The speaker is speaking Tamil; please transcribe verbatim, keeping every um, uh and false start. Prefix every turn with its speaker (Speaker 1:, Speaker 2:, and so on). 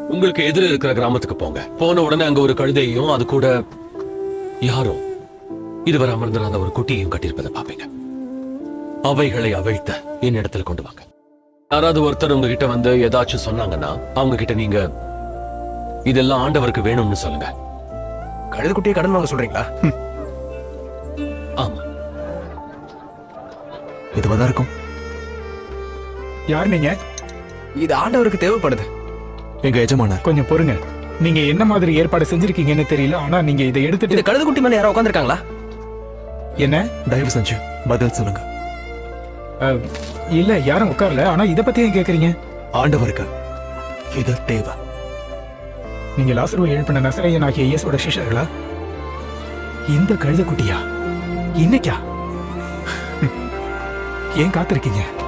Speaker 1: உங்களுக்கு எதிர இருக்கிற கிராமத்துக்கு போங்க. போன உடனே அங்க ஒரு கழுதையும் அது கூட யாரும் இதுவரை அமர்ந்திராத ஒரு குட்டியையும் கட்டியிருப்பதை பாப்பீங்க. அவைகளை அவிழ்த்த என் இடத்துல கொண்டு வாங்க. யாராவது ஒருத்தர் உங்ககிட்ட வந்து ஏதாச்சும் சொன்னாங்கன்னா அவங்க கிட்ட நீங்க இதெல்லாம் ஆண்டவருக்கு வேணும்னு சொல்லுங்க.
Speaker 2: கழுது குட்டியை கடன் வாங்க சொல்றீங்களா?
Speaker 1: ஆமா,
Speaker 2: இதுவாதான் இருக்கும்.
Speaker 3: யார் நீங்க?
Speaker 2: இது ஆண்டவருக்கு தேவைப்படுது.
Speaker 4: எங்க எஜமானர்.
Speaker 3: கொஞ்சம் பொறுங்க. நீங்க என்ன மாதிரி ஏற்பாடு செஞ்சிருக்கீங்கன்னு தெரியல, ஆனா நீங்க இதை
Speaker 2: இந்த
Speaker 3: எடுத்துட்டு
Speaker 2: கழுது குட்டி மேல யாரோ உட்காந்துருக்காங்களா?
Speaker 3: என்ன?
Speaker 4: தயவு செஞ்சு பதில் சொல்லுங்க.
Speaker 3: அஹ், இல்ல யாரும் உட்காரல, ஆனா இத பத்தி ஏன் கேக்குறீங்க?
Speaker 4: ஆண்டவருக்கு இது தேவை.
Speaker 3: நீங்க லாசருவை எழுப்பின நசரேயன் ஆகிய இயேசுவோட சிஷ்யர்களா? இந்த கழுத குட்டியா? இன்னைக்கா? ஏன் காத்திருக்கீங்க?